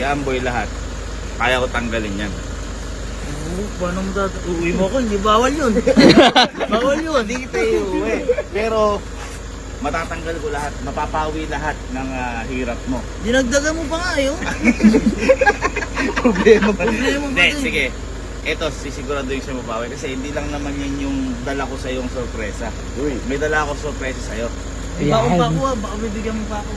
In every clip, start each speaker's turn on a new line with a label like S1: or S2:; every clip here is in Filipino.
S1: Amboy lahat, kaya ko tanggalin yan.
S2: Paano mo uwi mo ko? Hindi bawal yun. Bawal yun.
S1: Hindi kita iuwi. Pero matatanggal ko lahat, mapapawi lahat ng hirap mo.
S2: Dinagdagan mo pa nga yun.
S1: Problema ba?
S2: Problema ba
S1: Hindi,
S2: din?
S1: sige. Ito, sisigurado yung siya mapawi. Kasi hindi lang naman yan yung dala ko sa yung sorpresa.
S3: Uy.
S1: May dala ako sorpresa sa'yo.
S2: Bako pa ako ah. Baka bibigyan mo pa ako.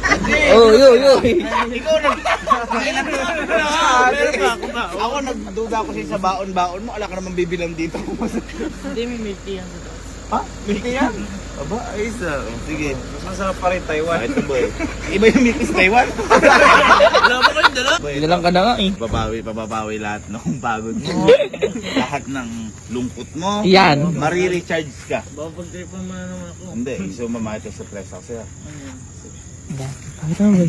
S1: Ikaw meron pa ako ba? Ako nagduda ako sa baon-baon mo. Ala ka naman bibilang dito.
S2: Hindi, may milk tea yan sa taas.
S1: Ha? Milky yan? Aba, ayos ah. Sige.
S3: Mas masarap pa rin Taiwan.
S1: Ito boy. Iba yung milky sa Taiwan.
S2: Wala mo kayong dala?
S4: Dalang ka na nga eh.
S1: Papapawi lahat ng pagod mo. Lahat ng lungkot mo.
S4: Yan.
S1: Marirecharge ka.
S2: Baka pag-tripan mo na naman ako.
S1: Hindi, gusto mo mamahit sa press ako sa'yo.
S2: Ayan.
S4: Bakit naman?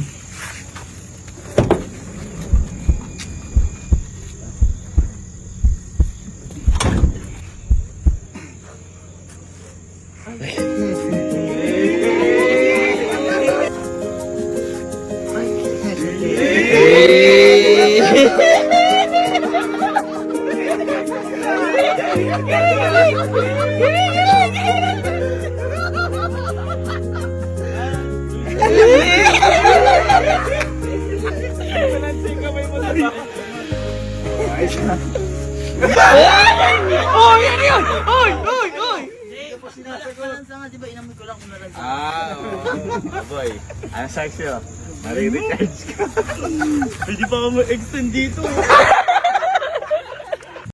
S2: Oh, yan yun! Oy! Oy! Oy! Balansa nga, di ba? Inamoy ko lang kung nalagyan.
S1: Oh boy. Ano sa'yo sa'yo? Marirecharge ka.
S2: Hindi pa ako mag-extend dito.